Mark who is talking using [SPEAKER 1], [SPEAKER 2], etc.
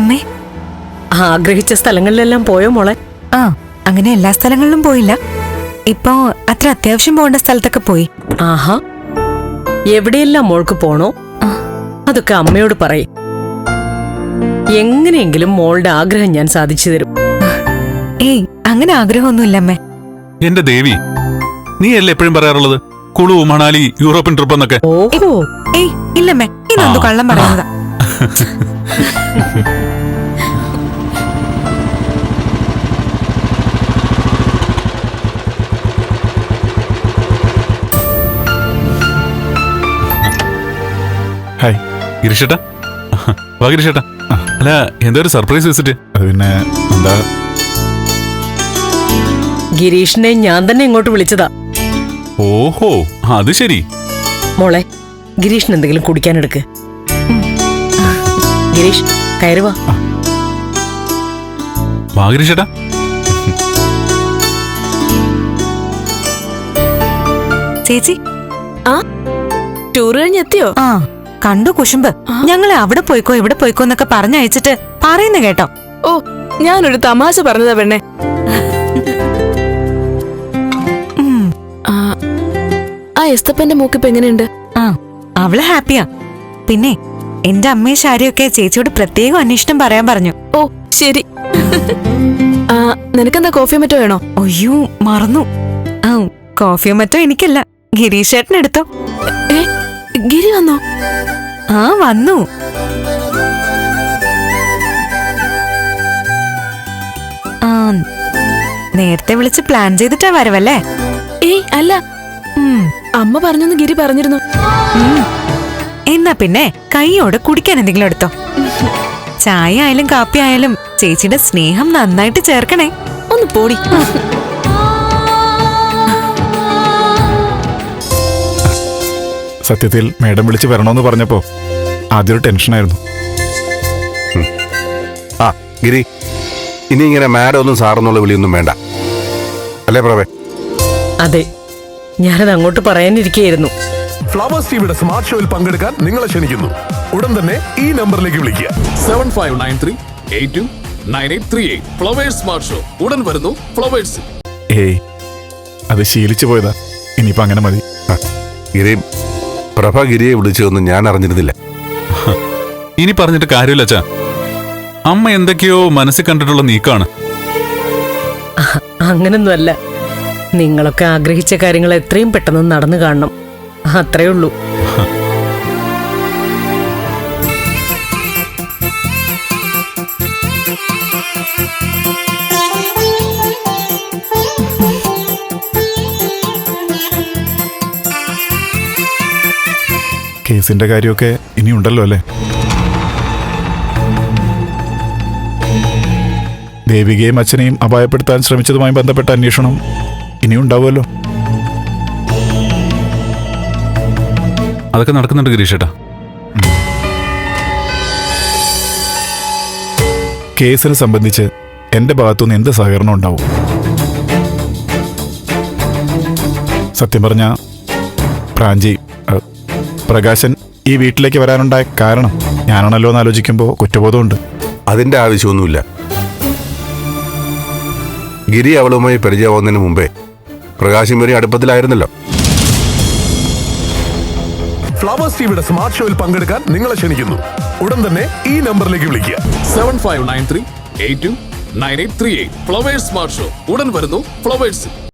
[SPEAKER 1] അമ്മേ.
[SPEAKER 2] ആഗ്രഹിച്ച സ്ഥലങ്ങളിലെല്ലാം പോയോ മോളെ?
[SPEAKER 1] ആ, അങ്ങനെ എല്ലാ സ്ഥലങ്ങളിലും പോയില്ല. ഇപ്പോ അത്ര അത്യാവശ്യം പോകേണ്ട സ്ഥലത്തൊക്കെ പോയി.
[SPEAKER 2] ആഹാ, എവിടെയെല്ലാം മോൾക്ക് പോണോ അതൊക്കെ അമ്മയോട് പറയും. എങ്ങനെയെങ്കിലും മോളുടെ ആഗ്രഹം ഞാൻ സാധിച്ചു തരും.
[SPEAKER 1] ഏയ്, അങ്ങനെ ആഗ്രഹമൊന്നുമില്ല അമ്മേ.
[SPEAKER 3] എന്റെ ദേവി, നീ അല്ലേ എപ്പോഴും പറയാറുള്ളത് കുളു, മണാലി, യൂറോപ്യൻ ട്രിപ്പ് എന്നൊക്കെ?
[SPEAKER 2] ഓഹോ,
[SPEAKER 1] ഏയ് ഇല്ലമ്മേ, ഇതെന്തു കള്ളം പറയുന്നതാ.
[SPEAKER 3] ഹായ് ഗിരീഷേട്ടാ. വാ ഗിരീഷേട്ടാ. അല്ല, എന്താ ഒരു സർപ്രൈസ് വിസിറ്റ്? അത് പിന്നെ എന്താ,
[SPEAKER 2] ഗിരീഷിനെ ഞാൻ തന്നെ ഇങ്ങോട്ട് വിളിച്ചതാ.
[SPEAKER 3] ഓഹോ അത് ശരി.
[SPEAKER 2] മോളെ, ഗിരീഷിന് എന്തെങ്കിലും കുടിക്കാനെടുക്ക്. ഗിരീഷ്, കയറുവാ.
[SPEAKER 3] വാ ഗിരീഷേട്ടാ.
[SPEAKER 1] ചേച്ചി,
[SPEAKER 4] ആ ടൂർ കഴിഞ്ഞെത്തിയോ?
[SPEAKER 1] ആ കണ്ടു കുശുമ്പ്. ഞങ്ങളെ അവിടെ പോയിക്കോ ഇവിടെ പോയിക്കോ എന്നൊക്കെ പറഞ്ഞയച്ചിട്ട് പറയുന്ന കേട്ടോ.
[SPEAKER 4] ഓ, ഞാനൊരു തമാശ പറഞ്ഞതാ പെണ്ണെ. ആ എസ്തപ്പന്റെ മൂക്കിപ്പ് എങ്ങനെയുണ്ട്?
[SPEAKER 1] ആ, അവള് ഹാപ്പിയാ. പിന്നെ എന്റെ അമ്മയും ശാരിയൊക്കെ ചേച്ചിയോട് പ്രത്യേകം അന്വേഷണം പറയാൻ പറഞ്ഞു.
[SPEAKER 4] ഓ ശരി. നിനക്കെന്താ കോഫിയോ മറ്റോ വേണോ?
[SPEAKER 1] അയ്യോ, മറന്നു. ആ, കോഫിയോ മറ്റോ എനിക്കല്ല, ഗിരീഷ് ചേട്ടൻ എടുത്തോ.
[SPEAKER 4] ഏ, ഗിരി വന്നോ?
[SPEAKER 1] ആ, വന്നു. ആ, നേരത്തെ വിളിച്ച് പ്ലാൻ ചെയ്തിട്ടാ വരവല്ലേ?
[SPEAKER 4] ഏയ് അല്ല, അമ്മ പറഞ്ഞെന്ന് ഗിരി പറഞ്ഞിരുന്നു.
[SPEAKER 1] എന്നാ പിന്നെ കൈയോടെ കുടിക്കാൻ എന്തെങ്കിലും എടുത്തോ. ചായ ആയാലും കാപ്പി ആയാലും ചേച്ചിയുടെ സ്നേഹം നന്നായിട്ട് ചേർക്കണേ.
[SPEAKER 4] ഒന്ന് പോടി.
[SPEAKER 5] സത്യത്തിൽ മേഡം വിളിച്ച് വരണമെന്ന് പറഞ്ഞപ്പോ ആദ്യം ഒരു ടെൻഷനായിരുന്നു.
[SPEAKER 6] ആ ഗിരി, ഇനി ഇങ്ങനെ മാഡം ഒന്നും സാറെന്നുള്ള വിളിയൊന്നും വേണ്ട, അല്ലേ പ്രവേ?
[SPEAKER 2] അതെ, ഞാനത് അങ്ങോട്ട് പറയാനിരിക്കുകയായിരുന്നു.
[SPEAKER 7] ഫ്ലവേഴ്സ് ടിവിയുടെ സ്മാർട്ട് ഷോയിൽ പങ്കെടുക്കാൻ നിങ്ങളെ ക്ഷണിക്കുന്നു. ഉടൻ തന്നെ ഈ നമ്പറിലേക്ക് വിളിക്കുക.
[SPEAKER 8] 7593829838. ഫ്ലവേഴ്സ് സ്മാർട്ട് ഷോ ഉടൻ വരുന്നു ഫ്ലവേഴ്സ്.
[SPEAKER 5] ഏയ്, അത് ശീലിച്ചു പോയതാ. ഇനിയിപ്പോ അങ്ങനെ മതി.
[SPEAKER 6] ഗിരി, പ്രഭ ഗിരിയെ വിളിച്ചതൊന്നും ഞാൻ അറിഞ്ഞിരുന്നില്ല.
[SPEAKER 3] ഇനി പറഞ്ഞിട്ട് കാര്യമില്ല അച്ഛാ. അമ്മ എന്തൊക്കെയോ മനസ്സിൽ കണ്ടിട്ടുള്ള നീക്കാണ്.
[SPEAKER 2] അങ്ങനൊന്നുമല്ല. നിങ്ങളൊക്കെ ആഗ്രഹിച്ച കാര്യങ്ങൾ എത്രയും പെട്ടെന്ന് നടന്നു കാണണം, അത്രേ ഉള്ളൂ.
[SPEAKER 5] കേസിന്റെ കാര്യമൊക്കെ ഇനിയുണ്ടല്ലോ അല്ലേ? ദേവികയും അച്ഛനെയും അപായപ്പെടുത്താൻ ശ്രമിച്ചതുമായി ബന്ധപ്പെട്ട അന്വേഷണം ഇനിയുണ്ടാവുമല്ലോ.
[SPEAKER 3] അതൊക്കെ നടക്കുന്നുണ്ട് ഗിരീഷേട്ടാ.
[SPEAKER 5] കേസിനെ സംബന്ധിച്ച് എന്റെ ഭാഗത്തുനിന്ന് എന്ത് സഹകരണം ഉണ്ടാവും? സത്യം പറഞ്ഞ പ്രാഞ്ചി, പ്രകാശൻ ഈ വീട്ടിലേക്ക് വരാനുണ്ടായ കാരണം ഞാനാണല്ലോ എന്ന് ആലോചിക്കുമ്പോൾ കുറ്റബോധമുണ്ട്.
[SPEAKER 6] അതിന്റെ ആവശ്യമൊന്നുമില്ല. ഗിരി അവളുമായി പരിചയമാവുന്നതിന് മുമ്പേ പ്രകാശം വരെ അടുപ്പത്തിലായിരുന്നല്ലോ.
[SPEAKER 7] ഫ്ലവേഴ്സ് ടിവിയുടെ സ്മാർട്ട് ഷോയിൽ പങ്കെടുക്കാൻ നിങ്ങളെ ക്ഷണിക്കുന്നു. ഉടൻ തന്നെ ഈ നമ്പറിലേക്ക് വിളിക്കുക.
[SPEAKER 8] 7593829838. ഫ്ലവേഴ്സ് സ്മാർട്ട് ഷോ ഉടൻ വരുന്നു ഫ്ലവേഴ്സ്.